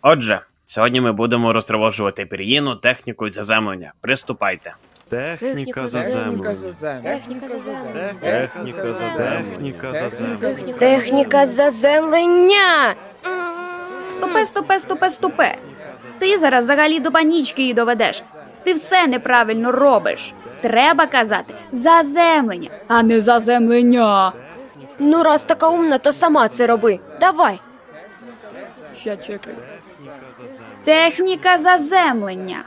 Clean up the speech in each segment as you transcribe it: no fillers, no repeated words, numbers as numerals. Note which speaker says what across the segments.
Speaker 1: Отже, сьогодні ми будемо розтривожувати пір'їну технікою заземлення. Приступайте.
Speaker 2: Техніка заземлення.
Speaker 3: Техніка заземлення.
Speaker 2: Техніка заземлення.
Speaker 3: Техніка заземлення.
Speaker 4: Стопе. Ти зараз взагалі до панічки її доведеш. Ти все неправильно робиш. Треба казати заземлення, а не заземлення.
Speaker 3: Ну, раз така умна, то сама це роби. Давай.
Speaker 4: Ща чекай. Техніка заземлення.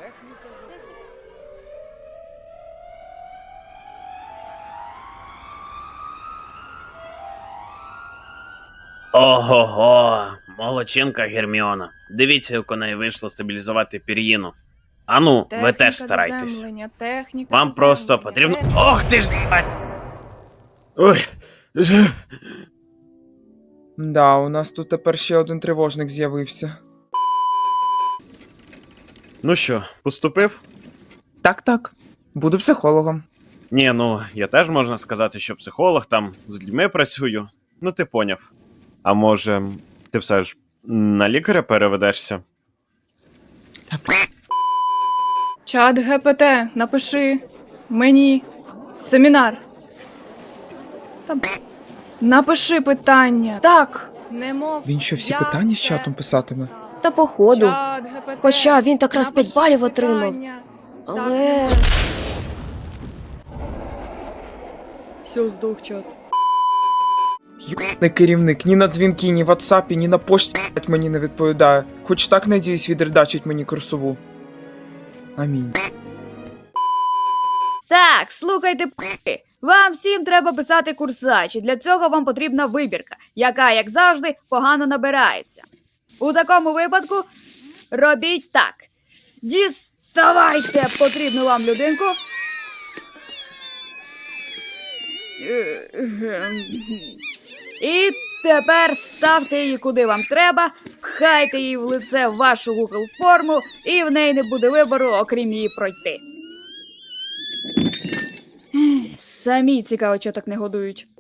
Speaker 1: Ого-го, молодчинка Герміона. Дивіться, як у неї вийшло стабілізувати пір'їну. Ану, ви теж старайтесь. Вам просто потрібно... Ох ти ж! Ой.
Speaker 5: Да, у нас тут тепер ще один тривожник з'явився.
Speaker 1: Ну що, поступив?
Speaker 5: Так. Буду психологом.
Speaker 1: Ні, ну, я теж можна сказати, що психолог, там з людьми працюю. Ну, ти поняв. А може, ти все ж на лікаря переведешся?
Speaker 6: Чат ГПТ, напиши мені семінар. Напиши питання. Так, не мов.
Speaker 5: Він що, всі
Speaker 6: я
Speaker 5: питання з
Speaker 6: це
Speaker 5: чатом писатиме?
Speaker 6: написав.
Speaker 3: Та походу.
Speaker 6: Чат ГПТ,
Speaker 3: Хоча він так раз 5
Speaker 6: напиши
Speaker 3: балів отримав.
Speaker 6: питання.
Speaker 3: Але...
Speaker 6: Все, здох чат.
Speaker 5: Не керівник, ні на дзвінки, ні в ватсапі, ні на пошті блядь, мені не відповідає. Хоч так, надіюсь, відредачить мені курсову. Амінь.
Speaker 4: Так, слухайте, п***и. Вам всім треба писати курсач, і для цього вам потрібна вибірка, яка, як завжди, погано набирається. У такому випадку робіть так. Діставайте потрібну вам людинку. І тепер ставте її куди вам треба, пхайте її в лице в вашу Google форму, і в неї не буде вибору, окрім її пройти. Самі цікаво, що так не годують.